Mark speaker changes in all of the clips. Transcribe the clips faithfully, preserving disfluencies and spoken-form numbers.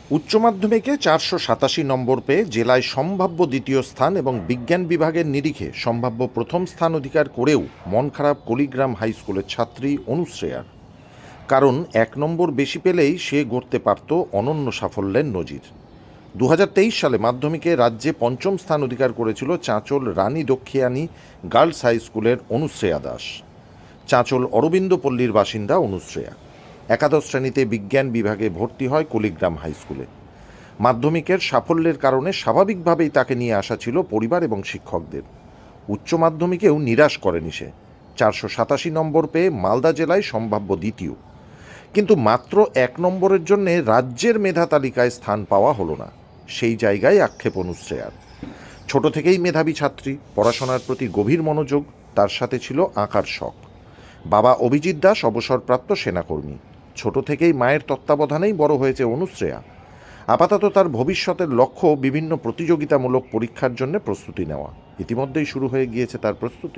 Speaker 1: উচ্চ মাধ্যমিকে চারশো সাতাশি নম্বর পেয়ে জেলায় সম্ভাব্য দ্বিতীয় স্থান এবং বিজ্ঞান বিভাগের নিরিখে সম্ভাব্য প্রথম স্থান অধিকার করেও মন খারাপ কলিগ্রাম হাই স্কুলের ছাত্রী অনুশ্রেয়ার। কারণ এক নম্বর বেশি পেলেই সে গড়তে পারত অনন্য সাফল্যের নজির। দু হাজার তেইশ সালে মাধ্যমিকে রাজ্যে পঞ্চম স্থান অধিকার করেছিল চাঁচল রানী দক্ষিয়ানী গার্লস হাই স্কুলের অনুশ্রেয়া দাস। চাঁচল অরবিন্দপল্লীর বাসিন্দা অনুশ্রেয়া একাদশ শ্রেণীতে বিজ্ঞান বিভাগে ভর্তি হয় কলিগ্রাম হাই স্কুলে। মাধ্যমিকের সাফল্যের কারণে স্বাভাবিকভাবেই তাকে নিয়ে আসা ছিল পরিবার এবং শিক্ষকদের। উচ্চ মাধ্যমিকেও নিরাশ করেনি সে। চারশো সাতাশি নম্বর পেয়ে মালদা জেলায় সম্ভাব্য দ্বিতীয়, কিন্তু মাত্র এক নম্বরের জন্যে রাজ্যের মেধা তালিকায় স্থান পাওয়া হলো না। সেই জায়গায় আক্ষেপ অনুশ্রেয়ার। ছোট থেকেই মেধাবী ছাত্রী, পড়াশোনার প্রতি গভীর মনোযোগ, তার সাথে ছিল আঁকার শখ। বাবা অভিজিৎ দাস অবসরপ্রাপ্ত সেনাকর্মী। ছোট থেকেই মায়ের তত্ত্বাবধানেই বড় হয়েছে অনুশ্রেয়া। আপাতত তার ভবিষ্যতের লক্ষ্য বিভিন্ন প্রতিযোগিতামূলক পরীক্ষার জন্য প্রস্তুতি নেওয়া। ইতিমধ্যেই শুরু হয়ে গিয়েছে তার প্রস্তুতি।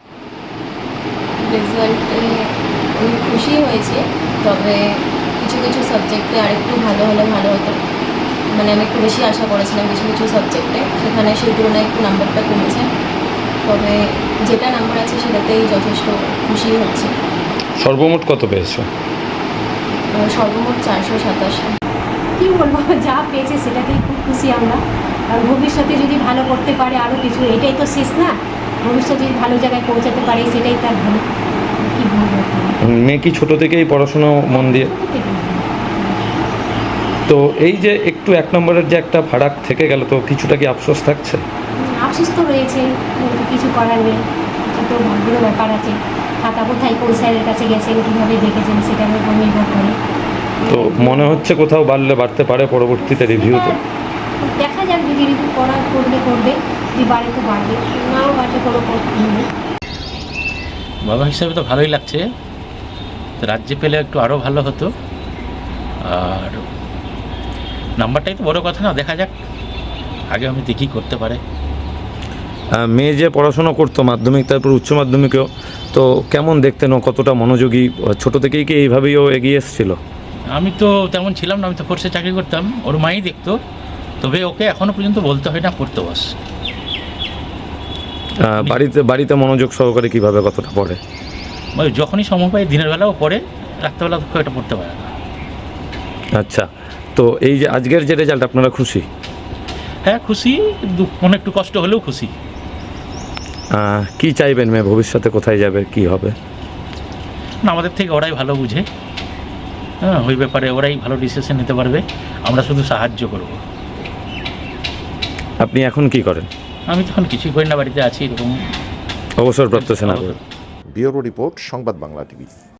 Speaker 2: রেজাল্টে আমি খুশি হয়েছি, তবে কিছু কিছু সাবজেক্টে আরেকটু ভালো হলে ভালো হতো। মানে আমি একটু বেশি আশা করেছিলাম কিছু কিছু সাবজেক্টে, সেখানে সেই তুলনায় একটু নাম্বারটা কমেছে। তবে যেটা নাম্বার আছে সেটাতেই যথেষ্ট খুশি হচ্ছে।
Speaker 3: সর্বমোট কত পেয়েছো?
Speaker 2: সর্বমোট চারশো সাতাশি।
Speaker 4: কী বলবো, যা পেয়েছে সেটাতেই খুব খুশি আমরা। আর ভবিষ্যতে যদি ভালো করতে পারে আরও কিছু, এটাই তো শেষ না। ভবিষ্যতে যদি ভালো জায়গায় পৌঁছাতে পারে সেটাই তার ভালো। কী বলবো,
Speaker 3: মেয়ে কি ছোটো থেকেই পড়াশোনা মন দিয়ে? তো এই যে একটু এক নম্বরের যে একটা ফারাক থেকে গেল, তো কিছুটা কি আফসোস থাকছে?
Speaker 4: আফসোস তো রয়েছে, কিন্তু কিছু করার নেই। এটা তো ভাগ্যের ব্যাপার আছে। খাতা কোথায় কোন স্যারের কাছে গেছেন, কীভাবে দেখেছেন, সেটার উপর নির্ভর করে।
Speaker 3: তো মনে হচ্ছে কোথাও বাড়লে বাড়তে পারে পরবর্তীতে রিভিউতে।
Speaker 4: দেখা যাক, যদি রিভিউ করা করলে করবে, যদি বাড়ে তো বাড়বে, নাও বাড়লে কোনো কথা নেই।
Speaker 5: বাবা হিসাবে তো ভালোই লাগছে। রাজ্যে পেলে একটু আরও ভালো হতো। আর নাম্বারটাই তো বড় কথা না, দেখা যাক আগে আমি দেখি করতে পারে।
Speaker 3: মেয়ে যে পড়াশোনা করতো মাধ্যমিক তারপর উচ্চ মাধ্যমিকেও, তো কেমন দেখতেন ও, কতটা মনোযোগী? ছোট থেকেই কি এইভাবেই ও এগিয়ে এসেছিল?
Speaker 5: আমি তো তেমন ছিলাম না, আমি তো ফোর্সে চাকরি করতাম, ওর মাই দেখতো। তবে ওকে এখনও পর্যন্ত বলতে হয় না পড়তে বস।
Speaker 3: বাড়িতে বাড়িতে মনোযোগ সহকারে কিভাবে, কতটা পড়ে?
Speaker 5: ওই যখনই সময় পাই দিনের বেলাও পড়ে, রাত্রেবেলা খুব একটা পড়তে পারে না।
Speaker 3: আচ্ছা, তো এই যে আজকের যে রেজাল্ট, আপনারা খুশি?
Speaker 5: হ্যাঁ খুশি, মনে একটু কষ্ট হলেও খুশি।
Speaker 3: কি চাইবেন মেয়ে ভবিষ্যতে, কোথায় যাবে, কি হবে?
Speaker 5: না, আমাদের থেকে ওরাই ভালো বুঝে। হ্যাঁ, ওই ব্যাপারে ওরাই ভালো ডিসিশন নিতে পারবে, আমরা শুধু সাহায্য করব।
Speaker 3: আপনি এখন কি করেন?
Speaker 5: আমি তখন কিছুই করি না, বাড়িতে আছি এরকম।
Speaker 3: অবসরপ্রাপ্ত সেনাকর্মী।
Speaker 1: ব্যুরো রিপোর্ট, সংবাদ বাংলা টিভি।